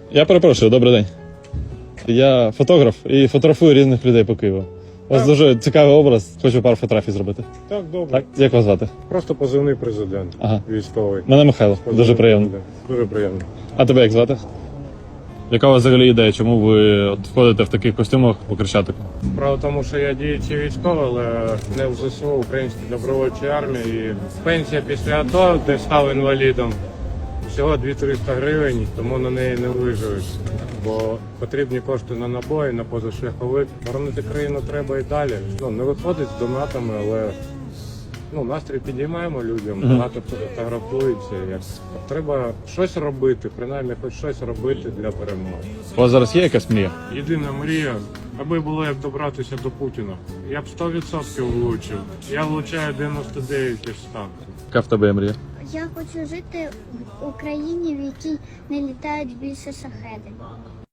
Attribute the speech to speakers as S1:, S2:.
S1: Я перепрошую, добрий день. Я фотограф і фотографую різних людей по Києву. У вас дуже цікавий образ, хочу пару фотографій зробити.
S2: Так, добре.
S1: Так, як вас звати?
S2: Просто позивний президент.
S1: Ага.
S2: Військовий.
S1: Мене Михайло, дуже приємно.
S2: Дуже приємно.
S1: А тебе як звати? Яка у вас взагалі ідея, чому ви от входите в таких костюмах по Хрещатику?
S2: Справа в тому, що я діючий військовий, але не в ЗСУ, Українській добровольчій армії. І пенсія після АТО, де став інвалідом, всього 200-300 гривень, тому на неї не виживеш. Бо потрібні кошти на набої, на позашляховик. Боронити країну треба і далі. Не виходить з донатами, але настрій підіймаємо людям, багато фотографується. Треба щось робити, принаймні хоч щось робити для перемоги.
S1: У вас зараз є якась мрія?
S2: Єдина мрія, аби було як добратися до Путіна. Я б 100% влучив. Я влучаю 99 із 100.
S1: Яка в тебе є мрія?
S3: Я хочу жити в Україні, в якій не літають більше шахеди.